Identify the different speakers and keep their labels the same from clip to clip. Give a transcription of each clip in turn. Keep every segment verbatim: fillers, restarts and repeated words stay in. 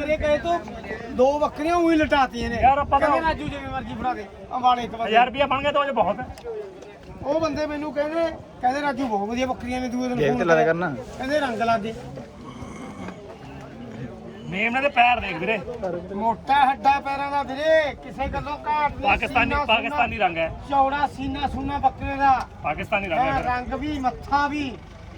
Speaker 1: ਤੇਰੇ ਕਹੇ ਤੋਂ ਦੋ ਬੱਕਰੀਆਂ ਉਹੀ ਲਟਾਤੀਆਂ ਨੇ
Speaker 2: ਯਾਰ ਆਪਾਂ
Speaker 1: ਕਹਿੰਦੇ ਰਾਜੂ ਜਿਵੇਂ ਮਰਜ਼ੀ ਫੜਾ ਦੇ ਅੰਬਾਲੇ ਇੱਕ ਵਾਰ
Speaker 2: ਹਜ਼ਾਰ ਰੁਪਇਆ ਬਣ ਗਿਆ ਤਾਂ ਉਹ ਬਹੁਤ ਹੈ।
Speaker 1: ਉਹ ਬੰਦੇ ਮੈਨੂੰ ਕਹਿੰਦੇ ਕਹਿੰਦੇ ਰਾਜੂ ਬਹੁਤ ਵਧੀਆ ਬੱਕਰੀਆਂ ਨੇ ਦੂਏ ਦਿਨ
Speaker 3: ਗੇਮ ਤੇ ਲਾ ਦੇ ਕਰਨਾ
Speaker 1: ਕਹਿੰਦੇ ਰੰਗ ਲਾ ਦੇ
Speaker 2: ਮੇਮ ਦੇ ਪੈਰ ਦੇਖ ਵੀਰੇ
Speaker 1: ਮੋਟਾ ਹੱਡਾ ਪੈਰਾਂ ਦਾ ਵੀਰੇ ਕਿਸੇ ਗੱਲੋਂ ਘਾਟ ਨਹੀਂ
Speaker 2: ਪਾਕਿਸਤਾਨੀ
Speaker 1: ਸੀਨਾ
Speaker 2: ਪਾਕਿਸਤਾਨੀ ਰੰਗ ਹੈ
Speaker 1: ਚੌੜਾ ਸੀਨਾ ਸੁਨਾ ਬੱਕਰੇ ਦਾ
Speaker 2: ਪਾਕਿਸਤਾਨੀ ਰੰਗ
Speaker 1: ਐ
Speaker 2: ਹੈ
Speaker 1: ਰੰਗ ਵੀ ਮੱਥਾ ਵੀ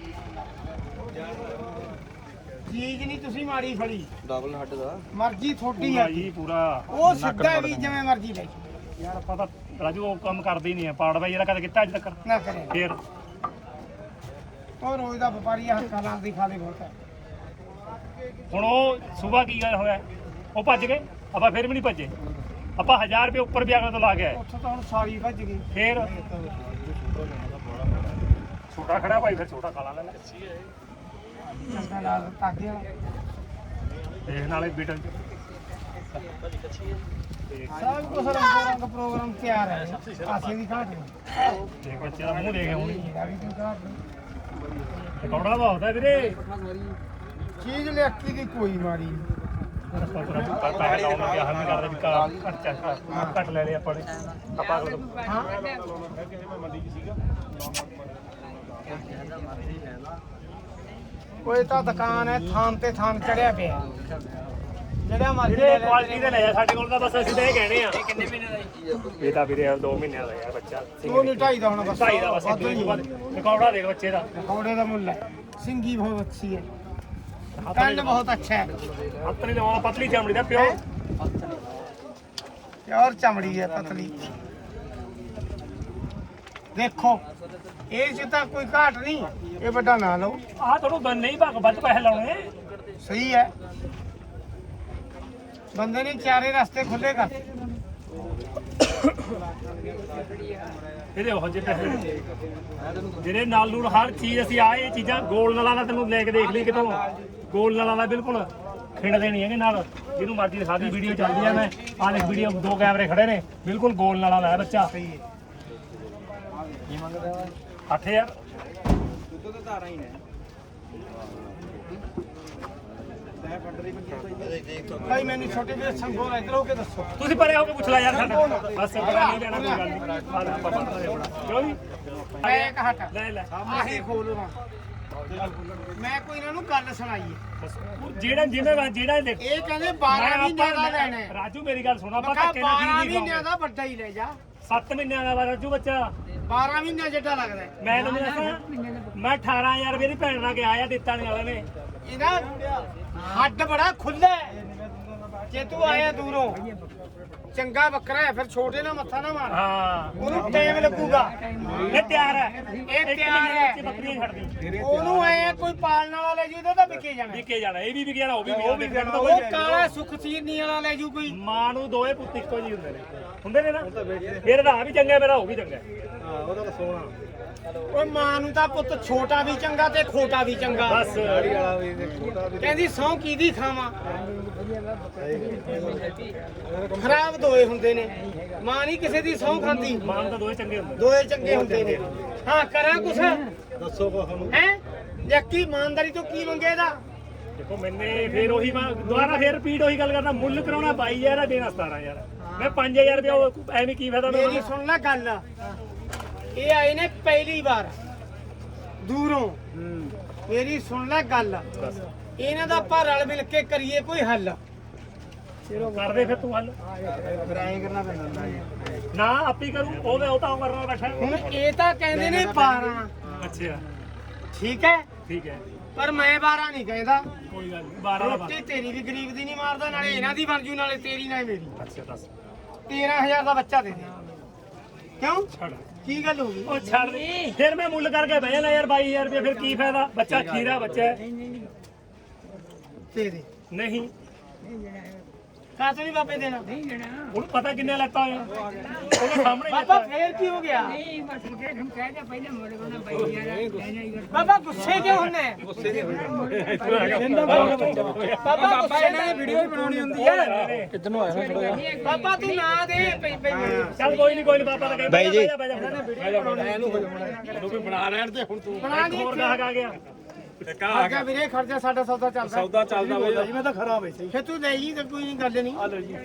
Speaker 1: ਚੀਜ਼ ਨਹੀਂ ਤੁਸੀਂ ਮਾੜੀ ਫੜੀ
Speaker 3: ਡਬਲ ਹੱਡ ਦਾ
Speaker 1: ਮਰਜ਼ੀ ਥੋੜੀ
Speaker 2: ਪੂਰਾ
Speaker 1: ਹੈ
Speaker 2: ਜੀ ਪੂਰਾ
Speaker 1: ਉਹ ਸਿੱਧਾ ਵੀ ਜਿਵੇਂ ਮਰਜ਼ੀ ਲੈ
Speaker 2: ਯਾਰ ਆਪਾਂ ਤਾਂ ਰਾਜੂ ਉਹ ਕੰਮ ਕਰਦੇ ਹੀ ਨਹੀਂ ਆ ਪਾੜ ਬਾਈ ਜਿਹੜਾ ਕਦੇ ਕੀਤਾ ਅੱਜ ਤੱਕ
Speaker 1: ਨਾ ਕਰੇ
Speaker 2: ਫੇਰ
Speaker 1: ਉਹ ਰੋਜ਼ ਦਾ ਵਪਾਰੀ ਹੱਥਾਂ ਨਾਲ ਦੀ ਖਾਲੇ ਬਹੁਤ ਹੈ
Speaker 2: ਹੁਣ ਉਹ ਸਵੇਰ ਕੀ ਗੱਲ ਹੋਇਆ ਉਹ ਭੱਜ ਗਏ ਆਪਾਂ ਫਿਰ ਵੀ ਨਹੀਂ ਭੱਜੇ ਆਪਾਂ ਹਜ਼ਾਰ ਰੁਪਏ ਉੱਪਰ ਵੀ ਅਗਲੇ ਤੋਂ ਲਾ ਕੇ ਆਏ
Speaker 1: ਉੱਥੋਂ ਤਾਂ ਹੁਣ ਸਾਰੀ ਭੱਜ ਗਈ
Speaker 2: ਫੇਰ ਛੋਟਾ ਖੜਾ ਭਾਈ ਫਿਰ ਛੋਟਾ ਕਾਲਾ ਲੈ ਲੈ
Speaker 1: ਚੰਗਾ ਨਾਲ ਤਾਗੇ
Speaker 2: ਦੇਖ ਨਾਲੇ ਬੀਟਲ ਚ
Speaker 1: ਸਭ ਕੁਝ ਰੰਗ ਰੰਗ ਪ੍ਰੋਗਰਾਮ ਤਿਆਰ ਹੈ ਆਸੇ ਦੀ ਘਾਟ ਨਹੀਂ
Speaker 2: ਦੇਖ ਬੱਚੇ ਦਾ ਮੂੰਹ ਦੇਖ ਹੁਣ
Speaker 1: ਇਹਦਾ ਵੀ ਕੋਈ ਘਾਟ ਨਹੀਂ
Speaker 2: ਕੌੜਾ ਬਹੁਤ ਹੈ ਵੀਰੇ
Speaker 1: ਚੀਜ਼ ਲਿਆਕੀ ਦੀ ਕੋਈ ਮਾਰੀ ਨਹੀਂ
Speaker 2: ਆਪਾਂ ਪੂਰਾ ਪੈਸੇ ਲਾਉਣ ਲੱਗਿਆ ਹਮ ਕਰਦੇ ਵੀ ਕਾ ਖਰਚਾ ਘੱਟ ਲੈ ਲਿਆ ਆਪਾਂ ਨੇ ਆਪਾਂ ਅਗਲੇ ਤੋਂ
Speaker 1: ਹਾਂ ਕੋਈ ਤਾਂ ਦੁਕਾਨ ਹੈ ਥਾਂ ਤੇ ਥਾਂ ਚੜਿਆ ਪਿਆ ਜਿਹੜਾ ਮਰਜ਼ੀ ਲੈ
Speaker 2: ਵੀਰੇ
Speaker 1: ਲੈ
Speaker 2: ਕੁਆਲਿਟੀ ਦੇ ਲੈ ਜਾ ਸਾਡੇ ਕੋਲ ਤਾਂ ਬਸ ਅਸੀਂ ਤਾਂ ਇਹ ਕਹਿਣੇ ਆ ਇਹ ਕਿੰਨੇ ਮਹੀਨੇ ਦਾ ਜੀ ਇਹ ਤਾਂ ਵੀਰੇ ਦੋ ਮਹੀਨਿਆਂ ਦਾ ਯਾਰ ਬੱਚਾ
Speaker 1: ਉਹ ਨਹੀਂ ਢਾਈ ਦਾ ਹੁਣ ਬਸ
Speaker 2: ਢਾਈ ਦਾ ਬਸ ਦੋ ਤੋਂ ਬਾਅਦ ਰਿਕਾਰਡਾ ਦੇਖ ਬੱਚੇ ਦਾ
Speaker 1: ਪਕੌੜੇ ਦਾ ਮੁੱਲ ਹੈ ਸਿੰਗੀ ਬਹੁਤ ਅੱਛੀ ਹੈ ਕੰਨ ਬਹੁਤ ਅੱਛਾ ਹੈ
Speaker 2: ਹੱਥ ਨਹੀਂ ਲਵਾਉਣਾ ਪਤਲੀ ਚਮੜੀ ਦਾ ਪਿਓ
Speaker 1: ਪਿਓਰ ਚਮੜੀ ਹੈ ਪਤਲੀ ਦੇਖੋ ਇਹ ਚ ਤਾਂ ਕੋਈ ਘਾਟ ਨਹੀਂ ਇਹ ਵੱਡਾ ਨਾ ਲਓ
Speaker 2: ਆਹ ਤੁਹਾਨੂੰ ਬੰਨ ਨਹੀਂ ਭੱਗ ਵੱਧ ਪੈਸੇ ਲਾਉਣੇ
Speaker 1: ਸਹੀ ਹੈ ਬੰਦੇ ਨੇ ਚਾਰੇ ਰਸਤੇ ਖੁੱਲੇ ਕਰ
Speaker 2: ਇਹਦੇ ਉਹ ਜਿਹੇ ਪੈਸੇ ਜਿਹੜੇ ਨਾਲ ਨੂਰ ਹਰ ਚੀਜ਼ ਅਸੀਂ ਆਏ ਇਹ ਚੀਜ਼ਾਂ ਗੋਲ ਨਾਲਾਂ ਦਾ ਤੈਨੂੰ ਲੈ ਕੇ ਦੇਖ ਲਈ ਕਿਤੋਂ ਗੋਲ ਨਾਲਾਂ ਦਾ ਬਿਲਕੁਲ ਖਿੰਡ ਦੇਣੀ ਹੈਗੇ ਨਾਲ ਜਿਹਨੂੰ ਮਰਜ਼ੀ ਦਿਖਾ ਦੀ ਵੀਡੀਓ ਚੱਲਦੀ ਆ ਮੈਂ ਆਹ ਦੇਖ ਵੀਡੀਓ ਦੋ ਕੈਮਰੇ ਖੜੇ ਨੇ ਬਿਲਕੁਲ ਗੋਲ ਨਾਲਾਂ ਦਾ ਹੈ ਬੱਚਾ
Speaker 3: ਕੀ ਮੰਗਦਾ ਵਾ
Speaker 2: ਅੱਠ ਹਜ਼ਾਰ
Speaker 3: ਦੁੱਧ ਤਾਂ ਧਾਰਾਂ ਹੀ ਨੇ
Speaker 1: ਭਾਈ ਮੈਨੂੰ ਛੋਟੇ ਜਿਹੇ ਸੰਗੋਲ ਇੱਧਰ ਹੋ ਕੇ ਦੱਸੋ
Speaker 2: ਤੁਸੀਂ ਪਰੇ ਹੋ ਕੇ ਪੁੱਛ ਲੈ ਯਾਰ ਸਾਡਾ ਬਸ ਪਤਾ ਨਹੀਂ ਲੈਣਾ ਕੋਈ ਗੱਲ ਨਹੀਂ ਆਹ ਲੈ ਆਪਾਂ ਪੜ੍ਹਦੇ ਹਾਂ ਬੜਾ ਕਿਉਂ ਨਹੀਂ
Speaker 1: ਮੈਂ ਇੱਕ ਹਟ
Speaker 2: ਲੈ ਲੈ
Speaker 1: ਆਹੀ ਖੋਲਵਾ ਮੈਂ ਕੋਈ ਇਹਨਾਂ ਨੂੰ ਗੱਲ ਸੁਣਾਈ ਹੈ
Speaker 2: ਬਸ ਉਹ ਜਿਹੜਾ ਜਿਹਨੇ ਜਿਹੜਾ ਦੇਖ
Speaker 1: ਇਹ ਕਹਿੰਦੇ ਬਾਰਾਂ ਮਹੀਨਿਆਂ ਦਾ ਲੈਣਾ ਹੈ
Speaker 2: ਰਾਜੂ ਮੇਰੀ ਗੱਲ ਸੁਣਾ
Speaker 1: ਮੈਂ
Speaker 2: ਆਪਾਂ
Speaker 1: ਕਿਹਾ
Speaker 2: ਧੱਕੇ ਨਾਲ
Speaker 1: ਬਾਰਾਂ
Speaker 2: ਚੀਜ਼ ਨਹੀਂ
Speaker 1: ਮਹੀਨਿਆਂ ਦਾ ਵੱਡਾ ਹੀ ਲੈ ਜਾ
Speaker 2: ਸੱਤ ਮਹੀਨਿਆਂ ਦਾ ਵਾ ਰਾਜੂ ਬੱਚਾ
Speaker 1: ਬਾਰਾਂ ਮਹੀਨਿਆਂ ਜਿੱਡਾ ਲੱਗਦਾ ਹੈ।
Speaker 2: ਮੈਂ ਤੁਹਾਨੂੰ ਦੱਸਾਂ ਮੈਂ ਅਠਾਰਾਂ ਹਜ਼ਾਰ ਰੁਪਏ ਦੀ ਭੈਣ ਨਾਲ ਗਿਆ ਆ ਦਿੱਤਾ ਨਹੀਂ ਵਾਲੇ ਨੇ
Speaker 1: ਇਹਦਾ ਹੱਡ ਬੜਾ ਖੁੱਲਾ ਹੈ ਜੇ ਤੂੰ ਆਇਆ ਦੂਰੋਂ ਚੰਗਾ ਬੱਕਰਾ ਹੈ ਫਿਰ ਛੋਟੇ ਨਾਲ ਮੱਥਾ ਨਾ ਮਾਰ
Speaker 2: ਹਾਂ
Speaker 1: ਉਹਨੂੰ ਟਾਈਮ ਲੱਗੂਗਾ
Speaker 2: ਇਹ ਤਿਆਰ ਹੈ
Speaker 1: ਇਹ ਤਿਆਰ ਹੈ
Speaker 2: ਬੱਕਰੀਆਂ ਛੱਡਦੀ
Speaker 1: ਉਹਨੂੰ ਐ ਕੋਈ ਪਾਲਣ ਵਾਲਾ ਲੈ ਜੂ ਤਾਂ ਵਿਕੇ ਜਾਣਾ
Speaker 2: ਵਿਕੇ ਜਾਣਾ ਇਹ ਵੀ ਵਿਕੇ ਜਾਣਾ ਉਹ ਵੀ
Speaker 1: ਉਹ
Speaker 2: ਵਿਕੇ
Speaker 1: ਵੀ
Speaker 2: ਜਾਣਾ
Speaker 1: ਉਹ ਕਾਲਾ ਸੁਖਸੀਰਨੀ ਵਾਲਾ ਲੈ ਜੂ ਕੋਈ
Speaker 2: ਮਾਂ ਨੂੰ ਦੋਏ ਪੁੱਤ ਇੱਕੋ ਜਿਹੇ ਹੁੰਦੇ ਨੇ ਹੁੰਦੇ ਨੇ ਨਾ ਮੇਰਾ ਤਾਂ ਆ ਵੀ ਚੰਗਾ ਮੇਰਾ ਉਹ ਵੀ ਚੰਗਾ
Speaker 3: ਹਾਂ ਉਹਦਾ ਤਾਂ ਸੋਹਣਾ
Speaker 1: ਓਏ ਮਾਂ ਨੂੰ ਤਾਂ ਪੁੱਤ ਛੋਟਾ ਵੀ ਚੰਗਾ ਤੇ ਖੋਟਾ ਵੀ ਚੰਗਾ
Speaker 2: ਬਸ
Speaker 3: ਦਾੜੀ ਵਾਲਾ ਵੀ ਤੇ ਛੋਟਾ ਵੀ
Speaker 1: ਕਹਿੰਦੀ ਸੌ ਕਿਹਦੀ ਖਾਵਾਂ ਖਰਾਬ ਦੋਏ ਹੁੰਦੇ ਨੇ ਮਾਂ ਨਹੀਂ ਕਿਸੇ ਦੀ ਸੌ ਖਾਂਦੀ
Speaker 2: ਮਾਂ ਨੂੰ ਤਾਂ ਦੋਏ ਚੰਗੇ ਹੁੰਦੇ ਨੇ
Speaker 1: ਦੋਏ ਚੰਗੇ ਹੁੰਦੇ ਨੇ ਹਾਂ ਕਰਾਂ ਕੁਛ
Speaker 3: ਦੱਸੋ ਕੋ ਸਾਨੂੰ
Speaker 1: ਹੈ ਯਕੀ ਇਮਾਨਦਾਰੀ ਤੋਂ ਕੀ ਮੰਗੇ ਇਹਦਾ
Speaker 2: ਦੇਖੋ ਮੈਨੇ ਫੇਰ ਉਹੀ ਮੈਂ ਦੁਬਾਰਾ ਫੇਰ ਰਿਪੀਟ ਉਹੀ ਗੱਲ ਕਰਦਾ ਮੁੱਲ ਕਰਾਉਣਾ ਬਾਈ ਹਜ਼ਾਰ ਆ ਦੇਣਾ ਸਤਾਰਾਂ ਹਜ਼ਾਰ ਮੈਂ ਪੰਜ ਹਜ਼ਾਰ ਰੁਪਇਆ ਉਹ ਐਵੇਂ ਕੀ ਫਾਇਦਾ
Speaker 1: ਮੇਰੀ ਸੁਣ ਲੈ ਗੱਲ ਇਹ ਆਏ ਨੇ ਪਹਿਲੀ ਵਾਰ ਦੂਰੋਂ ਮੇਰੀ ਸੁਣ ਲੈ ਗੱਲ ਇਹਨਾਂ ਦਾ ਆਪਾਂ ਰਲ ਮਿਲ ਕੇ ਕਰੀਏ ਕੋਈ ਹੱਲ
Speaker 2: ਚਲੋ ਕਰਦੇ ਫਿਰ ਤੂੰ ਹੱਲ
Speaker 1: ਫਿਰ ਐਂ ਕਰਨਾ ਪੈਂਦਾ
Speaker 2: ਨਾ ਆਪੀ ਕਰੂ ਉਹ ਉਹ ਤਾਂ ਕਰਨਾ ਬੈਠਾ
Speaker 1: ਹੁਣ ਇਹ ਤਾਂ ਕਹਿੰਦੇ ਨੇ ਬਾਰਾਂ
Speaker 2: ਅੱਛਾ
Speaker 1: ਠੀਕ ਹੈ
Speaker 2: ਠੀਕ ਹੈ
Speaker 1: ਪਰ ਮੈਂ ਬਾਰਾਂ ਨਹੀਂ ਕਹਿੰਦਾ
Speaker 2: ਕੋਈ ਗੱਲ ਨਹੀਂ ਬਾਰਾਂ ਦਾ
Speaker 1: ਰੋਟੀ ਤੇਰੀ ਵੀ ਗਰੀਬ ਦੀ ਨਹੀਂ ਮਾਰਦਾ ਨਾਲੇ ਇਹਨਾਂ ਦੀ ਬਣ ਜੂ ਨਾਲੇ ਤੇਰੀ ਨਾਲੇ ਮੇਰੀ
Speaker 2: ਅੱਛਾ ਦੱਸ
Speaker 1: ਤੇਰਾਂ ਹਜ਼ਾਰ ਦਾ ਬੱਚਾ ਦੇ ਦੇ ਕਿਉਂ
Speaker 2: ਛੱਡ
Speaker 1: ਕੀ ਗੱਲ ਹੋ ਗਈ
Speaker 2: ਉਹ ਛੱਡ ਦੇ ਫਿਰ ਮੈਂ ਮੁੱਲ ਕਰਕੇ ਬਹਿ ਜਾਣਾ ਯਾਰ ਬਾਈ ਹਜ਼ਾਰ ਰੁਪਏ ਫਿਰ ਕੀ ਫਾਇਦਾ ਬੱਚਾ ਖੀਰਾ ਬੱਚਾ ਹੈ।
Speaker 1: ਦੇ ਦੇ
Speaker 2: ਨਹੀਂ
Speaker 1: ਕਾਹਤੋਂ ਨਹੀਂ ਬਾਬੇ ਦੇਣਾ
Speaker 2: ਉਹਨੂੰ ਪਤਾ ਕਿੰਨੇ ਲੈਤਾ ਹੋਇਆ ਉਹਦੇ ਸਾਹਮਣੇ
Speaker 1: ਬਾਬਾ
Speaker 2: ਲੈਤਾ
Speaker 1: ਫੇਰ ਕੀ ਹੋ ਗਿਆ ਬਾਬਾ ਗੁੱਸੇ ਕਿਉਂ ਹੁੰਨੇ
Speaker 3: ਗੁੱਸੇ ਦੇ
Speaker 1: ਬਾਬਾ ਬਾਬਾ ਇਹਨਾਂ ਨੇ ਵੀਡੀਓ ਵੀ ਬਣਾਉਣੀ ਹੁੰਦੀ ਹੈ
Speaker 3: ਕਿੱਧਰੋਂ ਆਇਆ ਥੋੜਾ ਜਿਹਾ
Speaker 1: ਬਾਬਾ ਤੂੰ ਨਾ ਦੇ ਪਈ ਪਈ
Speaker 2: ਚੱਲ ਕੋਈ ਨਹੀਂ ਕੋਈ ਨਹੀਂ ਪਾਪਾ ਤਾਂ ਕਹਿੰਦਾ
Speaker 3: ਬਾਈ ਜੀ।
Speaker 2: ਇਹਨੂੰ ਵੀ ਬਣਾ ਲੈਣ ਤੇ ਹੁਣ ਤੂੰ
Speaker 1: ਬਣਾ ਦੀ
Speaker 2: ਹੋਰ ਗਾਹਕ ਆ ਗਿਆ
Speaker 1: ਖਰਚਾ ਵੀਰੇ ਖਰਚਾ ਸਾਡਾ ਸੌਦਾ ਚੱਲਦਾ
Speaker 3: ਸੌਦਾ ਚੱਲਦਾ ਬਈ
Speaker 4: ਜੀ ਮੈਂ ਤਾਂ ਖਰਾਬ ਹੈ ਸਹੀ
Speaker 1: ਫੇ ਤੂੰ ਲੈ ਜੀ ਤੇ ਕੋਈ ਨਹੀਂ ਗੱਲ ਨਹੀਂ
Speaker 4: ਆ ਲਓ ਜੀ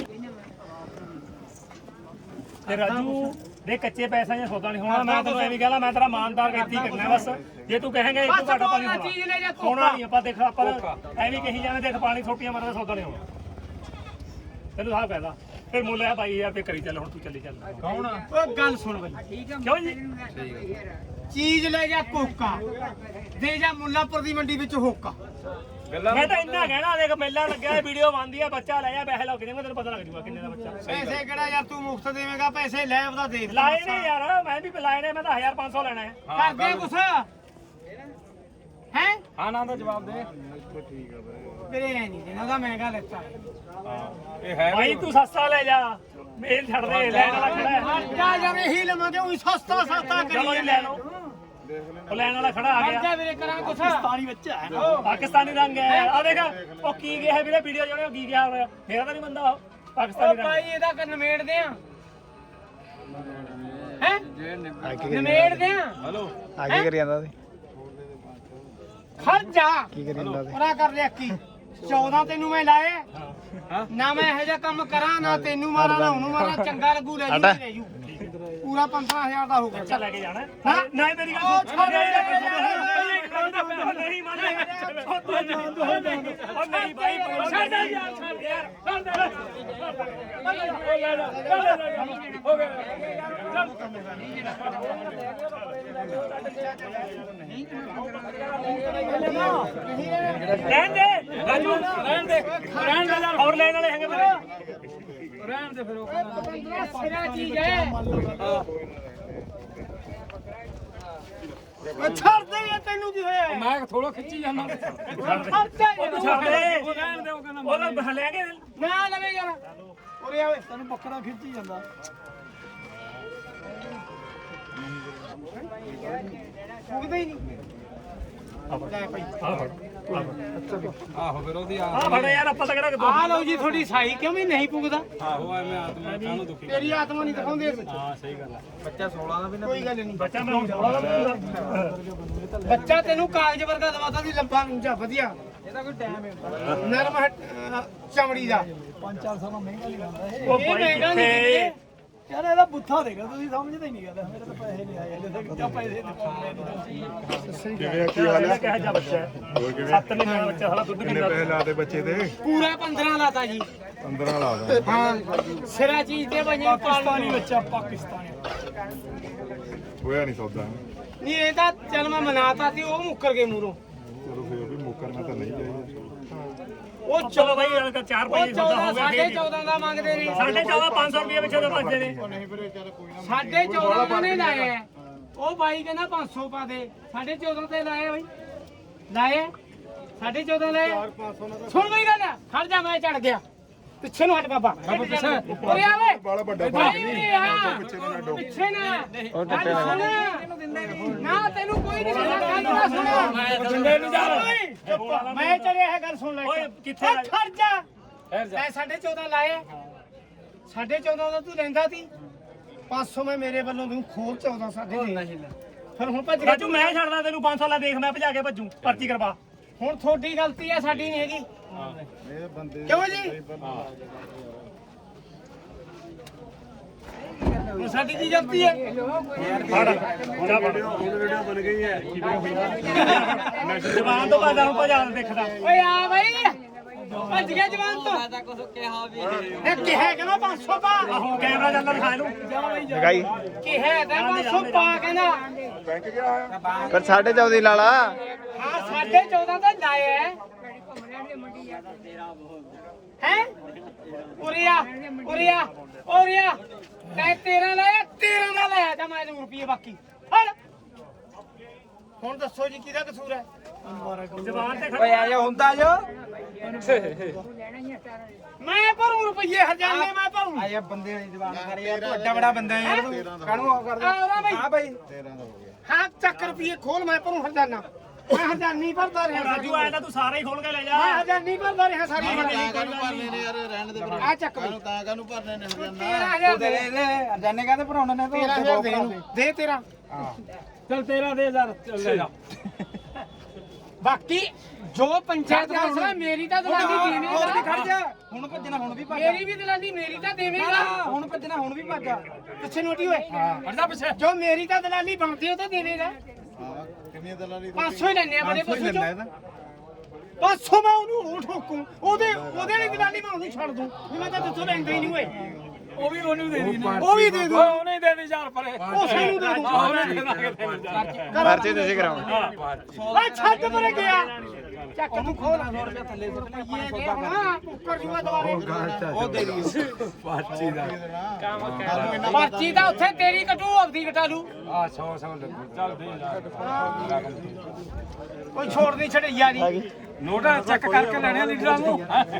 Speaker 2: ਤੇ ਰਾਜੂ ਦੇ ਕੱਚੇ ਪੈਸਿਆਂ ਦਾ ਸੌਦਾ ਨਹੀਂ ਹੋਣਾ ਮੈਂ ਤੈਨੂੰ ਐਵੇਂ ਕਹਲਾ ਮੈਂ ਤੇਰਾ ਮਾਨਦਾਰ ਇੱਥੇ ਹੀ ਕਰਨਾ ਬਸ ਜੇ ਤੂੰ ਕਹੇਂਗਾ ਇੱਕ ਘਾਟਾ ਪਾਣੀ
Speaker 1: ਬਸ ਚੀਜ਼ ਲੈ ਜਾ
Speaker 2: ਹੋਣਾ ਨਹੀਂ ਆਪਾਂ ਦੇਖ ਆਪਾਂ ਐਵੇਂ ਕਹੀ ਜਾਵੇਂ ਦੇਖ ਪਾਣੀ ਛੋਟੀਆਂ ਮਾਰਦਾ ਸੌਦਾ ਨਹੀਂ ਹੋਣਾ ਤੈਨੂੰ ਸਾਹ ਕਹਿਦਾ ਫਿਰ ਮੁੱਲ ਆ ਬਾਈ ਯਾਰ ਤੇ ਕਰੀ ਚੱਲ ਹੁਣ ਤੂੰ ਚੱਲੀ ਚੱਲ
Speaker 3: ਕੌਣ
Speaker 1: ਓ ਗੱਲ ਸੁਣ ਬਈ
Speaker 2: ਕਿਉਂ ਜੀ
Speaker 1: ਚੀਜ਼ ਲੈ ਜਾ ਕੋਕਾ ਦੇ ਜਾ ਮੁੱਲਾਪੁਰ ਦੀ ਮੰਡੀ ਵਿੱਚ ਹੋਕਾ
Speaker 2: ਮੈਂ ਤਾਂ ਇੰਨਾ ਕਹਿਣਾ ਦੇਖ ਮੇਲਾ ਲੱਗਿਆ ਵੀਡੀਓ ਬਣਦੀ ਆ ਬੱਚਾ ਲੈ ਜਾ ਪੈਸੇ ਲੱਗ ਜਾਣਗੇ ਤੈਨੂੰ ਪਤਾ ਲੱਗ ਜੂਗਾ ਕਿੰਨੇ ਦਾ ਬੱਚਾ
Speaker 1: ਪੈਸੇ ਕਿਹੜਾ ਯਾਰ ਤੂੰ ਮੁਫਤ ਦੇਵੇਂਗਾ ਪੈਸੇ ਲੈ ਆਪਦਾ ਦੇਖ ਲੈ
Speaker 2: ਲਾਏ ਨੇ ਯਾਰ ਮੈਂ ਵੀ ਲਾਏ ਨੇ ਮੈਂ ਤਾਂ ਹਜ਼ਾਰ ਪੰਜ ਸੌ ਲੈਣਾ ਹੈ
Speaker 1: ਕਰਦੇ ਕੁਛ ਹੈ
Speaker 3: ਹਾਂ ਨਾ ਦਾ ਜਵਾਬ ਦੇ
Speaker 1: ਵੀਰੇ ਐ ਨਹੀਂ ਦੇਣਾ ਉਹਦਾ ਮਹਿੰਗਾ ਲੈਤਾ
Speaker 3: ਇਹ ਹੈ
Speaker 2: ਭਾਈ ਤੂੰ ਸਸਤਾ ਲੈ ਜਾ ਮੇਲ ਛੱਡ ਦੇ ਲੈਣ ਵਾਲਾ ਖੜਾ ਹੈ
Speaker 1: ਖਰਚਾ ਯਾਰ ਇਹੀ ਲਵਾਂਗੇ ਉਹੀ ਸਸਤਾ ਸਸਤਾ
Speaker 2: ਚਲੋ
Speaker 1: ਕਰੀਏ
Speaker 2: ਜੀ ਲੈ ਲਓ ਉਹ ਲੈਣ ਵਾਲਾ ਖੜਾ ਆ ਗਿਆ
Speaker 1: ਖਰਚਾ ਵੀਰੇ ਕਰਾਂ ਕੁਛ
Speaker 4: ਪਾਣੀ ਬੱਚਾ ਹੈ ਨਾ
Speaker 2: ਪਾਕਿਸਤਾਨੀ ਰੰਗ ਹੈ ਆ ਦੇਖ ਉਹ ਕੀ ਗਿਆ ਹੈ ਵੀਰੇ ਵੀਡੀਓ ਜਿਹੜੇ ਉਹ ਕੀ ਗਿਆ ਹੋਇਆ ਮੇਰਾ ਤਾਂ ਨਹੀਂ ਬੰਦਾ ਉਹ
Speaker 1: ਓ
Speaker 2: ਪਾਕਿਸਤਾਨੀ ਰੰਗ
Speaker 1: ਭਾਈ ਇਹਦਾ ਕਰ ਨਵੇੜਦੇ ਆ ਹੈ ਨਵੇੜਦੇ ਆ
Speaker 3: ਹਲੋ
Speaker 5: ਆ ਕੀ ਕਰੀ ਜਾਂਦਾ ਸੀ
Speaker 1: ਖਰਚਾ
Speaker 5: ਕੀ ਕਰੀ ਜਾਂਦਾ ਸੀ
Speaker 1: ਉਹਦਾ ਕਰ ਲਿਆ ਕੀ ਚੌਦਾਂ ਤੈਨੂੰ ਮੈਂ ਲਾਏ ਨਾ ਮੈਂ ਇਹੋ ਜਿਹਾ ਕੰਮ ਕਰਾਂ ਨਾ ਤੈਨੂੰ ਮਾਰਾਂ ਨਾ ਉਹਨੂੰ ਮਾਰਾਂ ਚੰਗਾ ਲੱਗੂ ਲੈ ਜੂ ਲੈ ਜੂ ਪੂਰਾ ਪੰਦਰਾਂ ਹਜ਼ਾਰ ਦਾ ਹੋ ਗਿਆ
Speaker 2: ਅੱਛਾ ਲੈ ਕੇ ਜਾਣਾ ਨਹੀਂ ਮੇਰੀ ਗੱਲ ਸੁਣ ਨਹੀਂ ਮੰਨਦਾ ਉਹ ਨਹੀਂ ਭਾਈ ਛੱਡ ਯਾਰ ਛੱਡ ਯਾਰ ਹੋ ਗਿਆ ਰਹਿਣ ਦੇ ਰਾਜੂ ਰਹਿਣ ਦੇ ਰਹਿਣ ਦੇ ਯਾਰ ਹੋਰ ਲੈਣ ਵਾਲੇ ਹੈਗੇ ਮੇਰੇ ਰਹਿਣ ਦੇ ਫਿਰ ਉਹ
Speaker 1: ਸਿਰਾ ਚੀਜ਼ ਹੈ ਉਹ ਛੱਡ ਦੇ ਯਾਰ ਤੈਨੂੰ ਕੀ ਹੋਇਆ
Speaker 3: ਮੈਂ ਥੋੜਾ ਖਿੱਚੀ ਜਾਂਦਾ
Speaker 1: ਖਰਚਾ ਯਾਰ
Speaker 2: ਛੱਡ ਦੇ ਉਹ ਰਹਿਣ ਦੇ ਉਹ ਕਹਿੰਦਾ ਉਹ ਲੈ ਕੇ
Speaker 1: ਨਾ ਲਵੇ ਯਾਰ ਉਰੇ ਆਵੇ
Speaker 4: ਤੈਨੂੰ ਬੱਕਰਾ ਖਿੱਚੀ ਜਾਂਦਾ
Speaker 1: ਫੁੱਕਦਾ ਹੀ ਨਹੀਂ ਲੈ ਭਾਈ
Speaker 3: ਆਹੋ ਫਿਰ ਉਹਦੀ
Speaker 2: ਆ ਫੜ ਯਾਰ ਆਪਾਂ ਤਾਂ ਕਿਹੜਾ
Speaker 1: ਆ ਲਓ ਜੀ ਤੁਹਾਡੀ ਸਾਈ ਕਿਉਂ ਵੀ ਨਹੀਂ ਪੁੱਗਦਾ
Speaker 3: ਆਹੋ ਐਵੇਂ ਆਤਮਾ ਕਾਹਨੂੰ ਦੁਖੀ
Speaker 1: ਤੇਰੀ ਆਤਮਾ ਨਹੀਂ ਦਿਖਾਉਂਦੇ
Speaker 3: ਹਾਂ ਸਹੀ ਗੱਲ ਹੈ ਬੱਚਾ ਸੋਲਾਂ ਦਾ ਵੀ ਨਾ
Speaker 1: ਕੋਈ ਗੱਲ ਨਹੀਂ
Speaker 2: ਬੱਚਾ ਮੈਂ
Speaker 1: ਬੱਚਾ ਤੈਨੂੰ ਕਾਗਜ਼ ਵਰਗਾ ਦਵਾਤਾ ਦੀ ਲੰਬਾ ਉੱਚਾ ਵਧੀਆ ਇਹਦਾ ਕੋਈ ਟਾਈਮ ਹੈ ਨਰਮ ਹੱਟ- ਅਹ ਚਮੜੀ ਦਾ
Speaker 4: ਪੰਜ ਚਾਰ ਸਾਲਾਂ ਮਹਿੰਗਾ ਨਹੀਂ ਆਉਂਦਾ ਇਹ
Speaker 2: ਉਹ
Speaker 1: ਇਹ
Speaker 2: ਭਾਈ
Speaker 1: ਮਹਿੰਗਾ ਨਹੀਂ
Speaker 2: ਕਿੱਥੇ
Speaker 1: ਕਿਤੇ।
Speaker 4: ਯਾਰ ਇਹਦਾ ਬੁੱਥਾ ਦੇਗਾ ਤੁਸੀਂ ਸਮਝਦੇ ਨਹੀਂ ਗੱਲ ਮੇਰੇ ਤਾਂ ਪੈਸੇ ਨਹੀਂ ਆਏ ਹਲੇ ਤੱਕ ਜਾਂ ਪੈਸੇ ਦਿੱਤੇ
Speaker 6: ਕਿਵੇਂ ਕੀ ਹਾਲ ਹੈ
Speaker 2: ਕਿਹੋ ਜਿਹਾ ਬੱਚਾ ਹੈ
Speaker 6: ਹੋਰ ਕਿਵੇਂ
Speaker 2: ਸੱਤ ਮਹੀਨੇ ਦਾ ਬੱਚਾ ਸਾਲਾ ਦੁੱਧ
Speaker 6: ਕਿੰਨੇ
Speaker 2: ਪੀਂਦਾ
Speaker 6: ਪੈਸੇ ਲਾਦੇ ਬੱਚੇ ਤੇ
Speaker 1: ਪੂਰਾ ਪੰਦਰਾਂ ਲਾਤਾ ਜੀ
Speaker 6: ਪੰਦਰਾਂ ਲਾਦਾ
Speaker 1: ਹਾਂ ਸਿਰਾ ਚੀਜ਼ ਤੇ ਬਣੀ
Speaker 4: ਪਾਕਿਸਤਾਨੀ ਬੱਚਾ ਪਾਕਿਸਤਾਨੀ
Speaker 6: ਹੋਇਆ ਨਹੀਂ ਸੌਦਾ
Speaker 1: ਨਹੀਂ ਇਹ ਤਾਂ ਚੱਲ ਮੈਂ ਮਨਾਤਾ ਸੀ ਉਹ ਮੁੱਕਰ ਗਏ ਮੂਰੋਂ
Speaker 6: ਚਲੋ ਫਿਰ ਵੀ ਮੁੱਕਰਨਾ ਤਾਂ ਨਹੀਂ ਚਾਹੀਦਾ
Speaker 1: ਉਹ
Speaker 2: ਚਲੋ ਭਾਈ ਯਾਰ ਤਾਂ ਚਾਰ
Speaker 1: ਉਹ
Speaker 2: ਪੰਜ ਸੌਦਾ
Speaker 1: ਚੌਦਾਂ
Speaker 2: ਹੋ ਗਿਆ
Speaker 1: ਸਾਢੇ ਚੌਦਾਂ ਦਾ ਮੰਗਦੇ ਨੇ
Speaker 2: ਸਾਢੇ ਚੌਦਾਂ ਪੰਜ ਸੌ ਰੁਪਏ ਪਿੱਛੇ ਤੋਂ ਭੱਜਦੇ ਨੇ
Speaker 1: ਸਾਢੇ ਚੌਦਾਂ ਦਾ ਨਹੀਂ ਲਾਏ ਹੈ। ਉਹ ਬਾਈ ਕਹਿੰਦਾ ਪੰਜ ਸੌ ਪਾ ਦੇ ਸਾਢੇ ਚੌਦਾਂ ਤੇ ਲਾਏ ਬਾਈ ਲਾਏ ਸਾਢੇ ਚੌਦਾਂ ਲਾਏ ਸੁਣ ਬਈ ਗੱਲ ਖੜ ਜਾ ਮੈਂ ਚੜ ਗਿਆ ਪਿੱਛੇ ਨੂੰ ਹਟ ਬਾਬਾ ਉਰੇ ਆ ਵੇ
Speaker 6: ਬਾਲਾ ਵੱਡਾ
Speaker 1: ਭਾਈ ਉਰੇ ਆ
Speaker 6: ਪਿੱਛੇ ਨੂੰ ਨਾ ਡੋ
Speaker 1: ਪਿੱਛੇ ਨਾ ਉਹ ਟੱਟੇ ਨਾ ਤੈਨੂੰ ਕੋਈ ਨਹੀਂ ਸੁਣਦਾ ਗੱਲ ਨਾ ਸੁਣ
Speaker 2: ਜਿੰਦੇ ਨੂੰ ਜਾ
Speaker 1: ਮੈਂ ਚੜਿਆ ਹੈ ਗੱਲ ਸੁਣ ਲੈ
Speaker 2: ਓਏ ਕਿੱਥੇ
Speaker 1: ਓਏ ਖੜ ਜਾ ਮੈਂ ਸਾਢੇ ਚੌਦਾਂ ਲਾਏ ਸਾਢੇ ਚੌਦਾਂ ਦਾ ਤੂੰ ਲੈਂਦਾ ਸੀ ਪੰਜ ਸੌ ਮੈਂ ਮੇਰੇ ਵੱਲੋਂ ਤੂੰ ਖੋਲ ਚੌਦਾਂ ਸਾਢੇ ਦੇ ਫਿਰ ਹੁਣ ਭੱਜ ਗਿਆ
Speaker 2: ਰਾਜੂ ਮੈਂ ਛੱਡਦਾ ਤੈਨੂੰ ਪੰਜ ਸੌ ਲੈ ਦੇਖ ਮੈਂ ਭਜਾ ਕੇ ਭੱਜੂ ਪਰਚੀ ਕਰਵਾ
Speaker 1: ਹੁਣ ਤੁਹਾਡੀ ਗਲਤੀ ਹੈ ਸਾਡੀ ਨਹੀਂ ਹੈਗੀ
Speaker 6: ਇਹ ਬੰਦੇ
Speaker 1: ਕਿਉਂ ਜੀ ਹੁਣ ਸਾਡੀ ਕੀ ਗਲਤੀ ਹੈ
Speaker 2: ਫੜ ਜਾ ਫੜ
Speaker 3: ਵੀਡੀਓ ਬਣ ਗਈ ਹੈ
Speaker 2: ਜਵਾਨ ਤੋਂ ਬਾਅਦ ਨੂੰ ਭਜਾ ਦੇਖਦਾ
Speaker 1: ਓਏ ਆ ਬਾਈ ਭੱਜ ਗਿਆ ਜਵਾਨ ਤੋਂ ਮੈਂ ਤਾਂ ਕੁਝ ਕਿਹਾ ਵੀ ਇਹ ਕਿਹਾ ਕਹਿੰਦਾ ਪੰਜ ਸੌ ਪਾ
Speaker 2: ਆਹੋ ਕੈਮਰਾ ਜਾਂਦਾ ਦਿਖਾ ਇਹਨੂੰ
Speaker 5: ਲਗਾਈ
Speaker 1: ਕਿਹਾ ਤਾਂ ਪੰਜ ਸੌ ਪਾ ਕਹਿੰਦਾ
Speaker 6: ਬੈਂਕ ਗਿਆ ਹੋਇਆ
Speaker 5: ਪਰ ਸਾਢੇ ਚੌਦਾਂ ਦੀ ਲਾਲਾ
Speaker 1: ਹਾਂ ਸਾਢੇ ਚੌਦਾਂ ਦਾ ਲਾਇਆ ਹੈ ਹੈ ਉਰੀਆ ਉਰੀਆ ਉਰੀਆ ਤੈ ਤੇਰਾਂ ਲਾਇਆ ਤੇਰਾਂ ਦਾ ਲਾਇਆ ਤਾਂ ਮੈਂ ਰੁਪਏ ਬਾਕੀ ਫੜ ਹੁਣ ਦੱਸੋ ਜੀ ਕਿਹਦਾ ਕਸੂਰ ਹੈ
Speaker 2: ਜਵਾਨ ਤੇ ਖੜਾ
Speaker 3: ਆ ਜਾ ਹੁੰਦਾ ਜੋ
Speaker 1: ਮੈਂ ਭਰੂ ਰੁਪਏ ਹਜ਼ਾਨੇ ਮੈਂ ਭਰੂ
Speaker 3: ਆ ਜਾ ਬੰਦੇ ਵਾਲੀ ਜ਼ਬਾਨ ਕਰ ਯਾਰ ਤੂੰ ਐਡਾ ਬੜਾ ਬੰਦਾ ਯਾਰ ਤੂੰ ਕਾਹਨੂੰ ਆ ਕਰਦਾ
Speaker 1: ਆਉਰਾ ਬਾਈ
Speaker 3: ਹਾਂ ਬਾਈ
Speaker 1: ਹਾਂ ਚੱਕ ਰੁਪਏ ਖੋਲ ਮੈਂ ਭਰੂ ਹਜ਼ਾਨਾ ਮੈਂ ਹਜ਼ਾਨੀ ਭਰਦਾ ਰਿਹਾ
Speaker 2: ਰਾਜੂ ਆਇਆ ਤਾਂ ਤੂੰ ਸਾਰਾ ਹੀ ਖੋਲ ਕੇ ਲੈ ਜਾ
Speaker 1: ਮੈਂ ਹਜ਼ਾਨੀ ਭਰਦਾ ਰਿਹਾ ਸਾਰੀ
Speaker 7: ਕਾਹਨੂੰ ਭਰਨੇ ਨੇ ਯਾਰ ਰਹਿਣ ਦੇ ਫਿਰ
Speaker 1: ਆ ਚੱਕ ਬਈ
Speaker 7: ਕਾਹਨੂੰ ਤਾਂ ਕਾਹਨੂੰ ਭਰਨੇ ਨੇ ਹਜ਼ਾਨਾ
Speaker 1: ਤੇਰਾਂ ਹਜ਼ਾਰ ਦੇ
Speaker 3: ਦੇ ਦੇ ਅਰਜਾਨੇ ਕਹਿੰਦੇ ਭਰਾਉਣੇ ਨੇ
Speaker 1: ਤੇਰਾਂ ਹਜ਼ਾਰ ਦੇ ਇਹਨੂੰ। ਦੇ ਤੇਰਾ
Speaker 4: ਚਲ ਤੇਰਾ ਦੇ ਯਾਰ ਚੱਲ ਲੈ ਜਾ
Speaker 1: ਬਾਕੀ ਜੋ ਪੰਚਾਇਤ ਫੈਸਲਾ ਮੇਰੀ ਤਾਂ ਦਲਾਲੀ
Speaker 4: ਹੋਰ ਵੀ
Speaker 1: ਦੇਵੇਗਾ
Speaker 4: ਖੜ ਜਾ ਹੁਣ ਭੱਜਣਾ ਹੁਣ ਵੀ ਭੱਜ
Speaker 1: ਮੇਰੀ ਵੀ ਦਲਾਲੀ ਮੇਰੀ ਤਾਂ ਦੇਵੇਗਾ
Speaker 4: ਹੁਣ ਭੱਜਣਾ ਹੁਣ ਵੀ ਭੱਜ
Speaker 1: ਪਿੱਛੇ ਨੋਟੀ ਹੋਏ
Speaker 2: ਹਟਦਾ ਪਿੱਛੇ
Speaker 1: ਜੋ ਮੇਰੀ ਤਾਂ ਦਲਾਲੀ ਬਣਦੀ ਉਹ ਤਾਂ ਦੇਵੇਗਾ
Speaker 7: ਕਿੰਨੀ ਦਲਾਲੀ
Speaker 1: ਪੰਜ ਸੌ ਹੀ ਲੈਣੇ ਆ ਬੜੇ ਪਸ਼ੂ ਚੋਂ ਪੰਜ ਸੌ ਮੈਂ ਉਹਨੂੰ ਉਹ ਠੋਕੂ ਉਹਦੇ ਉਹਦੇ ਲਈ ਦਲਾਲੀ ਮੈਂ ਉਹਨੂੰ ਛੱਡ ਦੂੰ ਵੀ ਮੈਂ ਤਾਂ ਦੱਸੋ ਲੈਂਦਾ ਹੀ ਨਹੀਂ ਹੋਏ
Speaker 4: ਉਹ ਵੀ ਉਹਨੂੰ ਦੇ ਦੀ
Speaker 1: ਉਹ ਵੀ ਦੇ ਦੂੰ
Speaker 4: ਉਹਨੇ ਦੇ ਦੇ ਯਾਰ ਪਰੇ
Speaker 1: ਉਹ ਸਾਨੂੰ ਦੇ ਦੂੰ
Speaker 4: ਉਹਨੇ ਦੇ ਦਾਂਗੇ ਤੈਨੂੰ ਯਾਰ
Speaker 5: ਪਰਚੇ ਤੁਸੀਂ ਕਰਾਓ
Speaker 1: ਓਏ ਛੱਡ ਪਰੇ ਗਿਆ ਚੱਕ ਤੂੰ ਖੋਲ ਸੌ ਰੁਪਏ ਥੱਲੇ ਸੁੱਟ ਇਹ ਹਾਂ ਉੱਕਰ ਜੂਆ ਦੁਆਰੇ
Speaker 4: ਉਹ ਦੇ ਦੀ ਪਾਚੀ ਦਾ
Speaker 1: ਪਰਚੀ ਤਾਂ ਉੱਥੇ ਤੇਰੀ ਕਟੂ ਆਪਦੀ ਕਟਾ ਲੂ
Speaker 4: ਆ ਸੌ ਸੌ ਲੱਗੂ ਚੱਲ ਦੇ ਯਾਰ
Speaker 1: ਕੋਈ ਛੋੜ ਨਹੀਂ ਛੜਈਆ ਨਹੀਂ
Speaker 4: ਨੋਟ ਚੈੱਕ ਕਰਕੇ ਲੈਣੇ ਲੀਡਰਾਂ ਨੂੰ